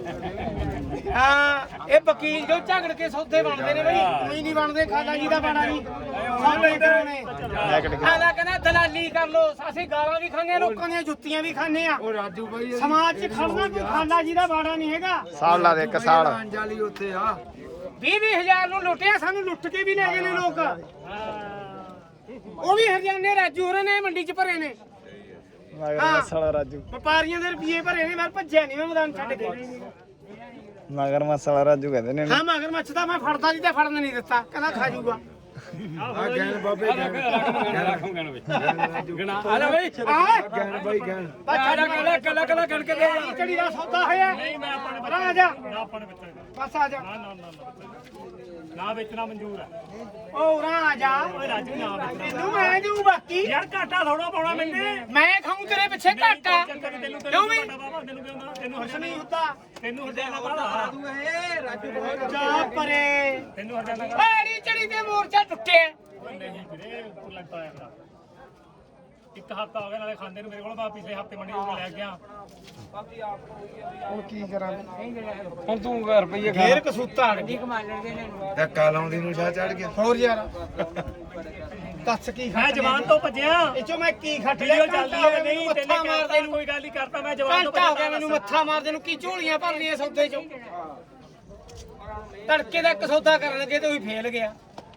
Speaker 1: ਹਾਂ ਇਹ ਵਕੀਲ ਜੋ ਝਗੜ ਕੇ ਸੌਦੇ ਬਣਦੇ ਨੇ ਬਈ ਕੋਈ ਨਹੀਂ ਬਣਦੇ ਖਾਲਾ ਜੀ ਦਾ ਬਾਣਾ ਨਹੀਂ ਸਾਡੇ ਕਰਾਉਣੇ ਖਾਲਾ ਕਹਿੰਦਾ ਦਲਾਲੀ ਕਰ ਲੋ ਅਸੀਂ ਗਾਲਾਂ ਵੀ ਖਾਂਦੇ ਆ ਲੋਕਾਂ ਦੀਆਂ ਜੁੱਤੀਆਂ ਵੀ ਖਾਂਦੇ ਆ
Speaker 4: ਉਹ ਰਾਜੂ ਬਾਈ
Speaker 1: ਸਮਾਜ 'ਚ ਖੜਨਾ ਕੋਈ ਖਾਲਾ ਜੀ ਦਾ ਬਾਣਾ ਨਹੀਂ ਹੈਗਾ
Speaker 5: ਸਾਲ ਲਾ ਦੇ ਇੱਕ ਸਾਲ
Speaker 4: ਜਾਲੀ ਉੱਥੇ ਆ
Speaker 1: ਵੀਹ ਵੀਹ ਹਜ਼ਾਰ ਨੂੰ ਲੁੱਟਿਆ ਸਾਨੂੰ ਲੁੱਟ ਕੇ ਵੀ ਲੈ ਗਏ ਨੇ ਲੋਕ ਉਹ ਵੀ ਹਰਿਆਣੇ ਰਾਜੂ ਹੋਰਾਂ ਨੇ ਮੰਡੀ 'ਚ ਭਰੇ ਨੇ
Speaker 5: ਮਗਰ
Speaker 1: ਹਾਂ।
Speaker 5: ਮਸਾਲਾ ਰਾਜੂ
Speaker 1: ਵਪਾਰੀਆਂ ਦੇ ਰੁਪਏ ਭਰੇ ਨੇ ਮੈਂ ਭੱਜਿਆ ਨਹੀਂ ਮੈਂ ਮੈਦਾਨ ਛੱਡ ਕੇ
Speaker 5: ਮਗਰ ਮਸਾਲਾ ਰਾਜੂ ਕਹਿੰਦੇ ਨੇ
Speaker 1: ਹਾਂ ਮਗਰ ਮੱਛ ਦਾ ਮੈਂ ਫੜਦਾ ਨਹੀਂ ਤੇ ਫੜਨ ਨਹੀਂ ਦਿੱਤਾ ਕਹਿੰਦਾ ਖਾ ਜੂਗਾ
Speaker 4: ਆ ਗੈਨ ਬਾਬੇ ਗੈਨ ਰੱਖੂੰ ਗੈਨ ਵਿੱਚ ਗਣਾ ਆ ਲੈ ਬਈ
Speaker 1: ਆ
Speaker 4: ਗੈਨ ਬਾਈ ਗੈਨ
Speaker 1: ਬਸ ਛੱਡ
Speaker 4: ਕੱਲਾ ਕੱਲਾ ਕੱਲਾ ਗਣ ਕੇ ਦੇ
Speaker 1: ਚੜੀ ਦਾ ਸੌਦਾ ਹੋਇਆ
Speaker 2: ਨਹੀਂ ਮੈਂ ਆਪਾਂ ਨੇ
Speaker 1: ਆ ਜਾ
Speaker 2: ਨਾ ਆਪਾਂ ਨੇ ਬੱਚਾ
Speaker 1: ਬਸ ਆ ਜਾ
Speaker 2: ਨਾ ਨਾ ਨਾ ਨਾ ਵੇਚਣਾ ਮਨਜ਼ੂਰ ਹੈ
Speaker 1: ਉਹ ਉਰਾਂ ਆ ਜਾ
Speaker 2: ਓਏ ਰਾਜੂ ਨਾ ਵੇਚਣਾ
Speaker 1: ਤੈਨੂੰ ਮੈਂ ਦਊ ਬਾਕੀ
Speaker 2: ਯਾਰ ਘਾਟਾ ਥੋੜਾ ਪਾਉਣਾ ਮੈਨੇ
Speaker 1: ਮੈਂ ਖਾਊਂ ਤੇਰੇ ਪਿੱਛੇ ਘਾਟਾ
Speaker 2: ਤੈਨੂੰ
Speaker 1: ਕਿਉਂ
Speaker 2: ਤੈਨੂੰ
Speaker 1: ਵੀ
Speaker 2: ਪਤਾ ਬਾਬਾ ਤੈਨੂੰ ਕਿਉਂ ਨਾ ਤੈਨੂੰ
Speaker 1: ਕੁਛ
Speaker 2: ਹਰਜਾਨਾ
Speaker 1: ਨਹੀਂ ਹੁੰਦਾ
Speaker 2: ਤੈਨੂੰ ਹਰਜਾਨਾ ਕਾਹਦਾ
Speaker 1: ਜਾ ਪਰੇ
Speaker 2: ਤੈਨੂੰ ਹਰਜਾਨਾ
Speaker 1: ਐੜੀ ਚੜੀ ਤੇ ਮੋਰਚਾ ਟੁੱਟਿਆ
Speaker 2: ਓਏ ਨਹੀਂ ਵੀਰੇ ਲੱਗਦਾ ਆਇਆ ਇੱਕ ਹਫਤਾ ਹੋ ਗਿਆ ਨਾਲੇ ਖਾਂਦੇ ਨੂੰ ਮੇਰੇ ਕੋਲ ਬਾ ਪਿਛਲੇ ਹਫਤੇ ਮੰਡੀ ਤੋਂ ਲੈ ਗਿਆ
Speaker 4: ਹੁਣ ਕੀ ਕਰਾਂ ਹੁਣ ਤੂੰ ਰੁਪਈਏ
Speaker 1: ਫੇਰ ਕਸੂਤਾ ਅੜ ਗਈ
Speaker 4: ਧੱਕਾ ਲਾਉਂਦੀ ਨੂੰ ਸ਼ਾਹ ਚੜ ਗਿਆ
Speaker 1: ਹੋਰ ਯਾਰ ਦੱਸ ਕੀ
Speaker 2: ਮੈਂ
Speaker 1: ਖੱਟ
Speaker 2: ਜਵਾਨ ਤੋਂ ਭੱਜਿਆ
Speaker 1: ਇਹ ਚੋਂ ਮੈਂ ਕੀ ਖੱਟ ਲਿਆ
Speaker 2: ਵੀਡੀਓ ਚੱਲਦੀ ਹੈ ਨਹੀਂ ਤੈਨੇ
Speaker 1: ਮੱਥਾ ਮਾਰਦੇ
Speaker 2: ਮਾਰਦੇ
Speaker 1: ਨੂੰ
Speaker 2: ਕੋਈ ਗੱਲ ਨਹੀਂ ਕਰਤਾ ਮੈਂ ਜਵਾਨ ਤੋਂ
Speaker 1: ਘੰਟਾ ਹੋ ਗਿਆ ਮੈਨੂੰ ਮੱਥਾ ਮਾਰਦੇ ਨੂੰ ਕੀ ਝੋਲੀਆਂ ਭਰਨੀਆਂ ਸੌਦੇ ਚੋਂ ਤੜਕੇ ਦਾ ਇੱਕ ਸੌਦਾ ਕਰਨ ਲੱਗੇ ਤੇ ਉਹੀ ਫੇਲ ਗਿਆ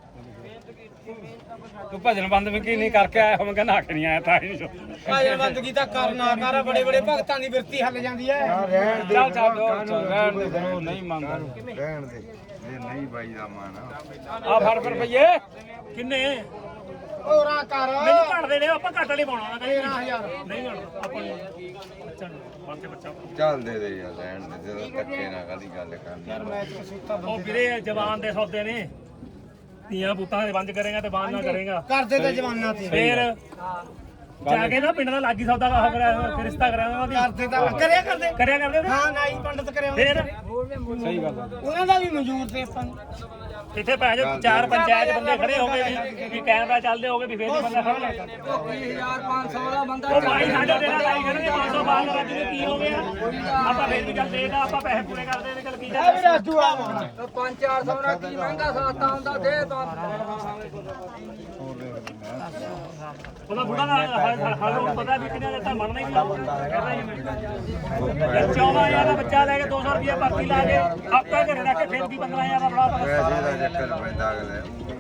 Speaker 4: ਤੂੰ ਭਜਨ ਬੰਦ ਵੀ ਕੀ ਨਹੀਂ ਕਰਕੇ ਆਇਆ ਮੈਂ ਕਹਿੰਦਾ ਹੱਕ ਨਹੀਂ ਆਇਆ ਤਾਂ ਹੀ
Speaker 1: ਭਾਜਨ ਬੰਦਗੀ ਤਾਂ ਕਰਨਾ ਕਰ ਬੜੇ ਬੜੇ ਭਗਤਾਂ ਦੀ ਬਿਰਤੀ ਹੱਲ ਜਾਂਦੀ ਹੈ
Speaker 4: ਰਹਿਣ ਦੇ ਚੱਲ ਚੱਲ ਰਹਿਣ ਦੇ ਫਿਰ ਨਹੀਂ ਮੰਗਦਾ
Speaker 6: ਰਹਿਣ ਦੇ ਇਹ ਨਹੀਂ ਬਾਈ ਦਾ ਮਾਨ
Speaker 4: ਆ ਫੜ ਫੜ ਰੁਪਈਏ
Speaker 2: ਕਿੰਨੇ
Speaker 1: ਹੋਰਾਂ ਕਰ
Speaker 2: ਮੈਨੂੰ ਘੱਟ ਦੇ ਨੇ ਆਪਾਂ ਘੱਟ ਵਾਲੀ ਪਾਉਣਾ ਨਾ
Speaker 1: ਤੇਰਾਂ ਹਜ਼ਾਰ
Speaker 2: ਨਹੀਂ ਘੱਟ ਆਪਾਂ ਨੂੰ ਬੱਚਾ ਨੂੰ ਬਣ ਕੇ ਬੱਚਾ
Speaker 6: ਚੱਲ ਦੇ ਦੇ ਯਾਰ ਰਹਿਣ ਦੇ ਜਦੋਂ ਧੱਕੇ ਨਾਲ ਕਾਦੀ ਗੱਲ ਕਰਨੀ
Speaker 1: ਮੈਚ ਕਸੂਤਾ
Speaker 2: ਉਹ ਵੀਰੇ ਜਵਾਨ ਦੇ ਸੌਦੇ ਨੇ ਧੀਆਂ ਪੁੱਤਾਂ ਦੇ ਬੰਦ ਕਰੇਗਾ ਤੇ ਬੰਦ ਨਾ ਕਰੇਗਾ
Speaker 1: ਕਰਦੇ ਤਾਂ ਜਵਾਨਾਂ ਤੇ
Speaker 2: ਫੇਰ ਜਾ ਕੇ ਨਾ ਪਿੰਡ ਦਾ ਲਾਗੀ ਸੌਦਾ ਕਹਾ ਕਰਿਆ ਰਿਸ਼ਤਾ ਕਰਿਆ ਉਹਨਾਂ ਦੀ
Speaker 1: ਕਰਦੇ ਤਾਂ ਕਰਿਆ ਕਰਦੇ
Speaker 2: ਕਰਿਆ ਕਰਦੇ ਉਹਨੇ?
Speaker 1: ਹਾਂ ਨਾਈ ਪੰਡਤ ਕਰਿਆ ਉਹਨੇ।
Speaker 2: ਫੇਰ
Speaker 4: ਸਹੀ ਗੱਲ
Speaker 1: ਉਹਨਾਂ ਦਾ ਵੀ ਮਨਜ਼ੂਰ ਤੇ ਆਪਾਂ ਨੂੰ
Speaker 2: ਇੱਥੇ ਪੈ ਜਾ ਚਾਰ ਪੰਚਾਇਤ ਬੰਦੇ ਖੜੇ ਹੋ ਗਏ ਵੀ ਵੀ ਕੈਮਰਾ ਚੱਲਦੇ ਹੋਗੇ ਵੀ ਫੇਰ ਨਹੀਂ ਬੰਦਾ ਖੜਾ ਲੱਗਦਾ
Speaker 4: ਵੀਹ ਹਜ਼ਾਰ ਪੰਜ ਸੌ ਵਾਲਾ ਬੰਦਾ
Speaker 2: ਉਹ ਭਾਈ ਸਾਡੇ ਤੇਰਾ ਲਾਈ ਖੜੇ ਪੰਜ ਸੌ ਬਾਲ ਰੱਜ ਨੂੰ ਕੀ ਹੋ ਗਿਆ ਆਪਾਂ ਫੇਰ ਵੀ ਚੱਲ ਦੇਦਾ ਆਪਾਂ ਪੈਸੇ ਪੂਰੇ ਕਰਦੇ ਨੇ ਚੱਲ ਕੀ
Speaker 1: ਇਹ ਵੀ ਰਾਜੂ ਆ
Speaker 4: ਪੰਜ ਚਾਰ ਸੌ ਨਾਲ ਕੀ ਮਹਿੰਗਾ ਸਸਤਾ ਹੁੰਦਾ ਦੇ
Speaker 2: ਉਹਦਾ ਬੁੜਾ ਦਾ ਹਾਲ ਪਤਾ ਵੀ ਕਿੰਨਾ ਦਿੱਤਾ ਮੰਨਣਾ ਹੀ ਨਹੀਂ ਚੌਦਾਂ ਹਜ਼ਾਰ ਦਾ ਬੱਚਾ ਲੈ ਕੇ ਦੋ ਸੌ ਰੁਪਏ ਪਰਚੀ ਲਾ ਕੇ ਹਫ਼ਤਾ ਘਰੇ ਰੱਖ ਕੇ ਫੇਰ ਵੀ ਪੰਦਰਾਂ ਹਜ਼ਾਰ ਦਾ ਬੜਾ
Speaker 6: ਪੈਸੇ ਦਾ ਚੱਕਰ ਪੈਂਦਾ ਅਗਲੇ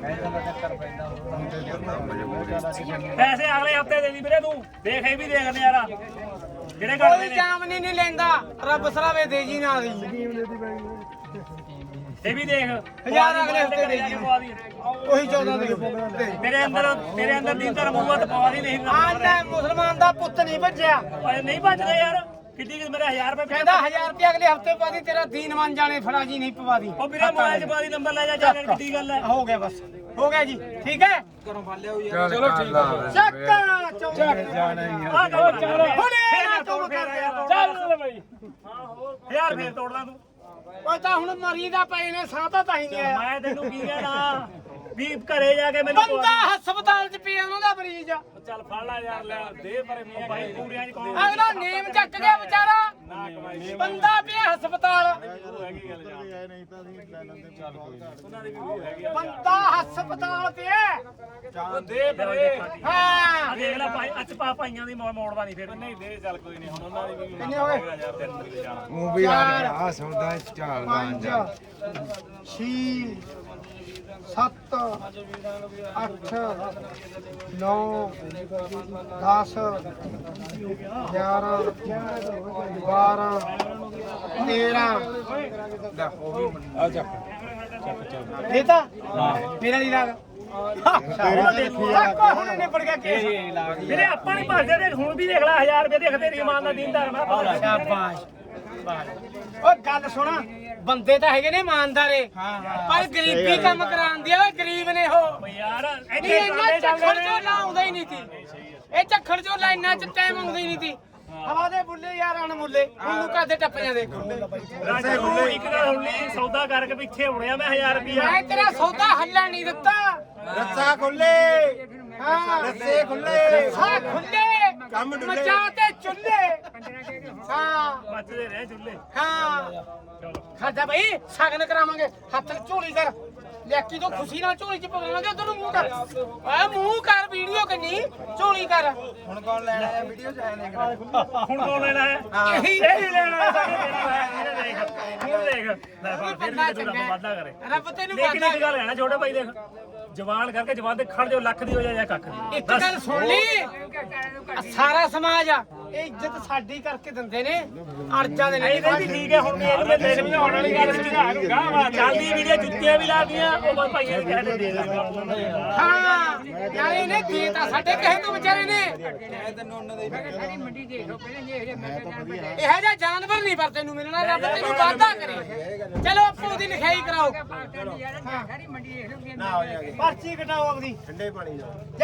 Speaker 2: ਪੈਸੇ ਅਗਲੇ ਹਫ਼ਤੇ ਦੇ ਦੀ ਵੀਰੇ ਤੂੰ ਦੇਖ ਇਹ ਵੀ ਦੇਖ ਨਜ਼ਾਰਾ ਜਿਹੜੇ ਕਰਦੇ
Speaker 1: ਕੋਈ
Speaker 2: ਨੇ
Speaker 1: ਜਾਮਨੀ ਨਹੀਂ ਲੈਂਦਾ ਰੱਬ ਸਰਾਵੇ ਦੇ ਜੀ ਨਾ ਦੀ
Speaker 2: ਇਹ ਵੀ ਦੇਖ
Speaker 1: ਹਜ਼ਾਰ ਅਗਲੇ ਹਫ਼ਤੇ ਦੇ ਜੀ
Speaker 2: ਪਵਾ ਦੀ।
Speaker 1: ਉਹੀ ਚੌਦਾਂ ਦੇ
Speaker 2: ਤੇਰੇ ਅੰਦਰ ਤੇਰੇ ਅੰਦਰ ਦਿਨ ਧਰਮ ਹੋਊਗਾ ਤਾਂ ਪਵਾ ਦੀ ਨਹੀਂ
Speaker 1: ਆਹ ਲੈ ਮੁਸਲਮਾਨ ਦਾ ਪੁੱਤ ਨਹੀਂ ਭੱਜਿਆ
Speaker 2: ਓਏ ਨਹੀਂ ਭੱਜਦੇ ਯਾਰ ਕਿੱਡੀ ਕਿ ਮੇਰੇ ਹਜ਼ਾਰ ਰੁਪਏ
Speaker 1: ਕਹਿੰਦਾ ਹਜ਼ਾਰ ਰੁਪਏ ਅਗਲੇ ਹਫ਼ਤੇ ਪਾ ਦੀ ਤੇਰਾ ਦੀਨ ਮੰਨ ਜਾਣੇ ਫੜਾ ਜੀ ਨਹੀਂ ਪਵਾ ਦੀ
Speaker 2: ਉਹ ਵੀਰੇ ਮੋਬਾਈਲ 'ਚ ਪਾ ਦੀ ਨੰਬਰ ਲੈ ਜਾ ਜਾ ਕੇ ਕਿੱਡੀ ਗੱਲ ਹੈ
Speaker 1: ਹੋ ਗਿਆ ਬਸ ਹੋ ਗਿਆ ਜੀ ਠੀਕ ਹੈ
Speaker 6: ਚਲੋ ਠੀਕ ਆ
Speaker 1: ਚੱਕਾ ਚੌਕ
Speaker 4: ਜਾਣਾ ਹੀ
Speaker 2: ਆ ਗੱਲ ਚੱਲ
Speaker 1: ਹੁਣੇ ਨਾ ਤੂੰ ਕਰ ਰਿਹਾ
Speaker 2: ਚੱਲ ਬਈ ਹਾਂ ਹੋਰ ਹਜ਼ਾਰ ਫੇਰ ਤੋੜਦਾ ਤੂੰ
Speaker 1: ਉਹ ਤਾਂ ਹੁਣ ਮਰੀ ਦਾ ਪਏ ਨੇ ਸਾਹ ਤਾਂ ਤਾਂ ਹੀ ਨਹੀਂ ਆਇਆ
Speaker 2: ਮੈਂ ਤੈਨੂੰ ਕੀ ਕਹਿਣਾ ਵੀ ਘਰੇ ਜਾ ਕੇ ਮੈਨੂੰ
Speaker 1: ਬੰਦਾ ਹਸਪਤਾਲ 'ਚ ਪਿਆ ਉਹਨਾਂ ਦਾ ਮਰੀਜ਼ ਆ
Speaker 2: ਚੱਲ ਫੜ ਲੈ ਯਾਰ ਲੈ ਦੇ ਪਰ ਮੀਆਂ ਭਾਈ ਪੂਰਿਆਂ 'ਚ ਕੌਣ
Speaker 1: ਅਗਲਾ ਨੇਮ ਚੱਕ ਗਿਆ ਵਿਚਾਰਾ ਬੰਦਾ ਪਿਆ ਹਸਪਤਾਲ ਬੰਦਾ ਹਸਪਤਾਲ ਪਿਆ
Speaker 2: ਦੇ ਫਿਰ
Speaker 1: ਹਾਂ
Speaker 2: ਆ ਦੇਖ ਲੈ ਭਾਈ ਅੱਜ ਪਾ ਭਾਈਆਂ ਦੀ ਮੋੜ ਮੋੜਦਾ ਨਹੀਂ ਫਿਰ ਨਹੀਂ ਦੇ ਚੱਲ ਕੋਈ ਨਹੀਂ ਹੁਣ ਉਹਨਾਂ ਦੀ ਵੀ
Speaker 1: ਕਿੰਨੇ ਹੋ ਗਏ
Speaker 2: ਯਾਰ ਤੈਨੂੰ ਵੀ ਜਾਣਾ
Speaker 6: ਉਹ ਵੀ ਆ ਆ ਸੌਦਾ ਝਾਲਦਾ
Speaker 1: ਪੰਜ ਛੇ
Speaker 4: ਸੱਤ ਅੱਠ ਨੌ ਦਸ ਗਿਆਰਾਂ ਬਾਰਾਂ ਤੇਰਾਂ ਦੇਤਾ ਮੇਰਾ ਨਹੀਂ ਲੱਗ ਹੁਣ ਨਿਬੜ ਗਿਆ ਕੇਸ
Speaker 2: ਵੀਰੇ ਆਪਾਂ ਨਹੀਂ ਭਰਦੇ ਦੇਖ ਹੁਣ ਵੀ ਦੇਖ ਲੈ ਹਜ਼ਾਰ ਰੁਪਏ ਦੇਖ ਤੇਰੀ ਇਮਾਨ ਦਾ ਦੀਨਦਾਰ ਮੈਂ ਭਰਦਾ।
Speaker 1: ਸ਼ਾਬਾਸ਼ ਓਏ ਗੱਲ ਸੁਣਾ ਬੰਦੇ ਤਾਂ ਹੈਗੇ ਨੇ ਇਮਾਨਦਾਰੇ ਪਰ ਗਰੀਬੀ ਕੰਮ ਕਰਾਉਂਦੀ ਆ ਓਏ ਗਰੀਬ ਨੇ ਉਹ
Speaker 2: ਓ ਯਾਰ
Speaker 1: ਨਹੀਂ
Speaker 2: ਇੱਥੇ
Speaker 1: ਇੰਨਾ
Speaker 2: ਕਾਂਡੇ
Speaker 1: ਝੱਖੜ
Speaker 2: ਚੱਲਦੇ
Speaker 1: ਚੋਂ
Speaker 2: ਨੇ
Speaker 1: ਲਾਉਂਦਾ ਹੀ ਨਹੀਂ ਸੀ ਇਹ ਝੱਖੜ ਚੋਂ ਲਾਈਨਾਂ ਚ ਟਾਈਮ ਆਉਂਦਾ ਹੀ ਨਹੀਂ ਸੀ ਹਵਾ ਦੇ ਬੁੱਲੇ ਯਾਰ ਅਣਮੁੱਲੇ ਉਹਨੂੰ ਕਾਦੇ ਟੱਪ ਜਾਂਦੇ
Speaker 2: ਰਾਜੂ ਇੱਕ ਗੱਲ ਹੁਣ ਨਹੀਂ ਸੌਦਾ ਕਰਕੇ ਪਿੱਛੇ ਹੋਣਿਆ ਮੈਂ ਹਜ਼ਾਰ ਰੁਪਿਆ
Speaker 1: ਮੈਂ ਤੇਰਾ ਸੌਦਾ ਹੱਲਾ ਨਹੀਂ ਦਿੱਤਾ
Speaker 3: ਰੱਸਾ ਖੁੱਲੇ
Speaker 1: ਹਾਂ
Speaker 3: ਰੱਸੇ ਖੁੱਲੇ
Speaker 1: ਹਾਂ ਖੁੱਲੇ
Speaker 3: ਕੰਮ ਡੁੱਲੇ।
Speaker 1: ਮਚਾ ਤੇ ਚੁੱਲੇ ਹਾਂ
Speaker 2: ਬਚਦੇ ਰਹੇ ਚੁੱਲੇ
Speaker 1: ਹਾਂ
Speaker 2: ਚਲੋ
Speaker 1: ਖਾਦਾ ਬਈ ਸਗਨ ਕਰਾਵਾਂਗੇ ਹੱਥ ਝੋਲੀ ਕਰ ਲੈਕੀ ਤੋਂ ਖੁਸ਼ੀ ਨਾਲ ਝੋਲੀ ਚ ਪਕੜਾਂਗੇ ਉਧਰ ਨੂੰ ਮੂੰਹ ਕਰ ਆ ਮੂੰਹ ਕਰ ਵੀਡੀਓ ਕੰਨੀ ਝੋਲੀ ਕਰ
Speaker 3: ਹੁਣ ਕੌਣ ਲੈਣਾ ਹੈ ਵੀਡੀਓ ਚ ਆਇਆ ਦੇਖ
Speaker 2: ਹੁਣ ਕੌਣ ਲੈਣਾ ਹੈ
Speaker 1: ਇਹੀ
Speaker 2: ਇਹੀ ਲੈਣਾ ਹੈ ਸਾਡੇ ਦੇਣਾ ਹੈ ਇਹਨੇ ਦੇਖ ਹੁਣ ਦੇਖ ਲੈ ਫਿਰ
Speaker 1: ਬੰਦਾ
Speaker 2: ਵੀ ਤੂੰ ਰੱਬ
Speaker 1: ਚੰਗਾ
Speaker 2: ਵਾਦਾ ਕਰੇ
Speaker 1: ਰੱਬ ਤੈਨੂੰ
Speaker 2: ਲੇਕਿਨ
Speaker 1: ਵਾਦਾ
Speaker 2: ਇੱਕ ਗੱਲ ਹੈ ਨਾ ਛੋਟੇ ਭਾਈ ਦੇਖ ਜਵਾਨ ਕਰਕੇ ਜਵਾਨ ਦੇ ਖੜ ਜਾਓ ਲੱਖ ਦੀ ਹੋ ਜਾਏ ਜਾਂ ਕੱਖ ਦੀ
Speaker 1: ਇੱਕ ਗੱਲ ਸੁਣ ਲਈ ਆਹ ਸਾਰਾ ਸਮਾਜ ਆ ਇਹ ਇੱਜ਼ਤ ਸਾਡੀ ਕਰਕੇ ਦਿੰਦੇ ਨੇ ਅਰਜਾਂ ਦੇ
Speaker 2: ਨਹੀਂ ਨਹੀਂ ਠੀਕ ਹੈ ਹੁਣ ਵੀ ਇਹਨੂੰ ਮੈਂ ਦੇ ਸਮਝਾਉਣ ਵਾਲੀ ਗੱਲ ਸੀ ਚੱਲਦੀ ਵੀਡੀਓ ਜੁੱਤੀਆਂ ਵੀ ਲਾਦੀਆਂ ਉਹ ਬਸ ਭਾਈਆਂ ਦੇ ਕਹਿ ਦੇ ਦੇ
Speaker 1: ਹਾਂ ਯਾਰ ਇਹਨੇ ਦੇਤਾ ਸਾਡੇ ਕਹੇ ਤੋਂ ਵਿਚਾਰੇ ਨੇ ਇਹ ਜਿਹਾ ਜਾਨਵਰ ਨਹੀਂ ਪਰ ਤੈਨੂੰ ਮਿਲਣਾ ਰੱਬ ਤੈਨੂੰ ਵਾਅਦਾ ਕਰੇ ਚਲੋ ਆਪੋ ਉਹਦੀ ਲਿਖਾਈ ਕਰਾਓ
Speaker 3: ਨਾ ਹੋ ਜਾਗੇ
Speaker 1: ਪਰਚੀ ਕਟਾਓ ਆਪਦੀ
Speaker 3: ਠੰਡੇ ਪਾਣੀ ਦਾ